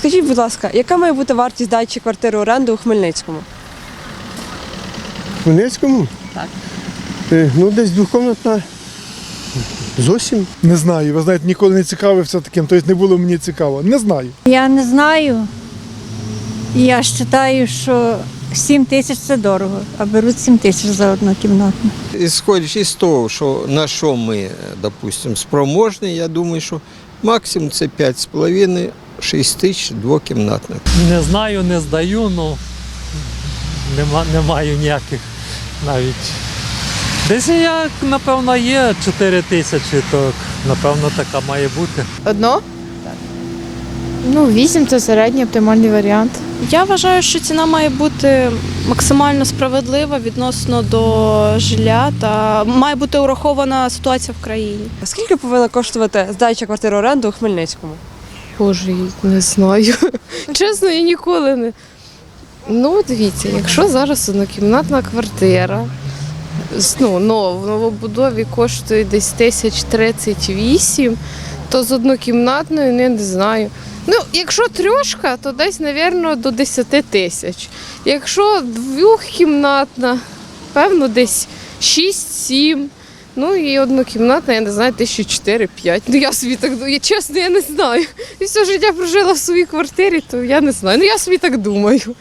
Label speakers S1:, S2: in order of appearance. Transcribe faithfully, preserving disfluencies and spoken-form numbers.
S1: Скажіть, будь ласка, яка має бути вартість здачі квартири в оренду у Хмельницькому?
S2: В Хмельницькому?
S1: Так.
S2: Е, Ну, десь двокомнатна. Зовсім.
S3: Не знаю, ви знаєте, ніколи не цікавився таким, тобто не було мені цікаво. Не знаю.
S4: Я не знаю. Я вважаю, що сім тисяч це дорого, а беруть сім тисяч за однокімнатну.
S5: Ісходячи з того, що на що ми, допустимо, спроможні, я думаю, що максимум це п'ять з половиною - шість тисяч двокімнатних.
S6: Не знаю, не здаю, ну нема, не маю ніяких навіть. Десь як, напевно, є чотири тисячі, то напевно така має бути.
S7: Одно? Так. Ну, вісім це середній оптимальний варіант.
S8: Я вважаю, що ціна має бути максимально справедлива відносно до житла та має бути урахована ситуація в країні.
S1: Скільки повинна коштувати здача квартири в оренду у Хмельницькому?
S7: Боже, не знаю. Чесно, я ніколи не. Ну, дивіться, якщо зараз однокімнатна квартира, ну, но в новобудові коштує десь тисяч тридцять вісім, то з однокімнатною не, не знаю. Ну, якщо трьошка, то десь, мабуть, до десять тисяч. Якщо двохкімнатна, певно, десь шість-сім. Ну і однокімнатна, я не знаю, тисячі чотири-п'ять. Ну я собі так думаю, чесно, я не знаю. І все життя прожила в своїй квартирі, то я не знаю. Ну я собі так думаю.